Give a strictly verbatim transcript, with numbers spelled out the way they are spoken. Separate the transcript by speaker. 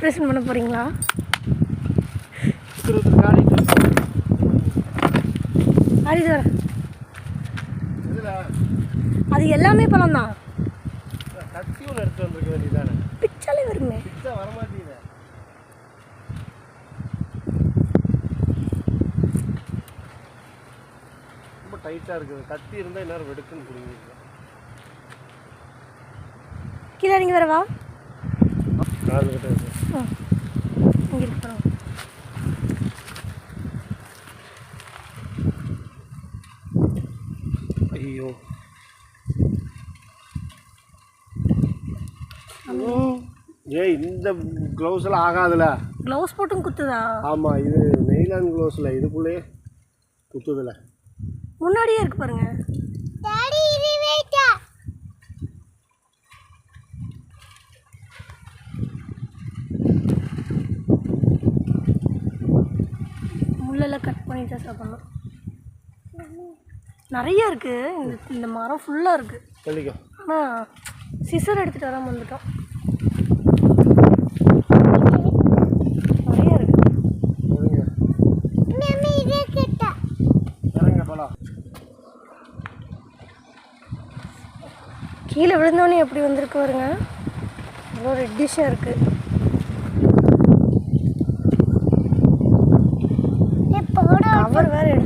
Speaker 1: Operation பண்ண போகிறீங்களா? அது எல்லாமே பழம் தான். பிச்சாலே வருமே.
Speaker 2: ரொம்ப டைட்டாக இருக்குது. கத்தி இருந்தால் எல்லாரும் வெடுக்குன்னு புரியுது.
Speaker 1: கீழே இறங்கி வரவா?
Speaker 2: காதுகிட்ட இருக்கு.
Speaker 1: இங்கே இருக்கிறோம்.
Speaker 2: ஐயோ ஏய், இந்த க்ளவுஸ் எல்லாம் ஆகாதுல.
Speaker 1: க்ளவுஸ் போட்டும் குத்துதா?
Speaker 2: ஆமாம், இது நெய்லான் க்ளவுஸில் இதுக்குள்ளேயே குத்துதில்ல.
Speaker 1: முன்னாடியே இருக்கு பாருங்க. முள்ளெல்லாம் கட் பண்ணி தான் சாப்பிடணும். நிறைய இருக்கு. இந்த இந்த மரம் ஃபுல்லாக இருக்கு. ஆனால் சிசர் எடுத்துகிட்டு வராமல் வந்துட்டோம். நிறைய இருக்கு. கீழே விழுந்தோடனே எப்படி வந்திருக்கு பாருங்க. அவ்வளோ ரெட்டிஷாக இருக்கு. கவர் வேறு